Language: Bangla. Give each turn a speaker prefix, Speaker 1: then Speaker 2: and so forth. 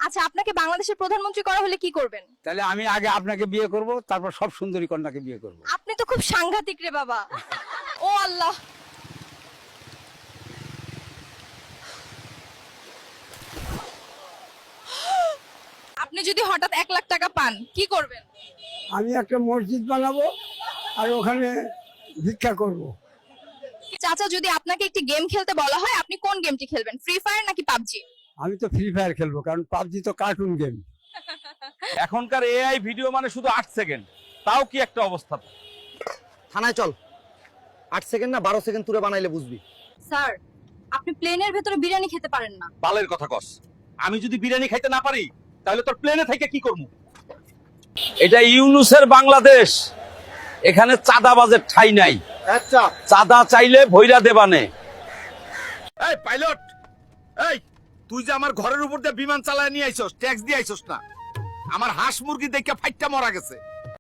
Speaker 1: আচ্ছা, আপনাকে বাংলাদেশের প্রধানমন্ত্রী করা হলে কি করবেন?
Speaker 2: তাহলে আমি আগে আপনাকে বিয়ে করব, তারপর সব সুন্দরী কন্যাকে বিয়ে করব।
Speaker 1: আপনি তো খুব সাংঘাতিক রে বাবা। ও আল্লাহ। আপনি যদি হঠাৎ 1 লাখ টাকা পান কি করবেন?
Speaker 3: আমি একটা মসজিদ বানাবো আর ওখানে ভিক্ষা করব।
Speaker 1: চাচা, যদি আপনাকে একটি গেম খেলতে বলা হয় আপনি কোন গেমটি খেলবেন? ফ্রি ফায়ার নাকি পাবজি?
Speaker 3: আমি তো ফ্রি ফায়ার খেলবো, কারণ পাবজি তো কার্টুন গেম।
Speaker 4: এখনকার এআই ভিডিও মানে শুধু 8 সেকেন্ড, তাও কি একটা অবস্থা।
Speaker 5: থানায় চল, 8 সেকেন্ড না 12 সেকেন্ড তুলে বানাইলে বুঝবি।
Speaker 1: স্যার, আপনি প্লেনের ভেতরে বিরিয়ানি খেতে পারেন না।
Speaker 4: বালের কথা কস। আমি যদি বিরিয়ানি খাইতে না পারি তাহলে তোর প্লেনে থেকে কি করব? এটা ইউনুসের বাংলাদেশ, এখানে চাঁদাবাজের ঠাঁই নাই।
Speaker 5: আচ্ছা,
Speaker 4: চাঁদা চাইলে ভৈরা দেবানে। এই পাইলট, এই তুই যে আমার ঘরের উপর দিয়ে বিমান চালায় নিয়ে আইছস, ট্যাক্স দিয়ে আইছস না? আমার হাঁস মুরগি দেখে ফাইটটা মরা গেছে।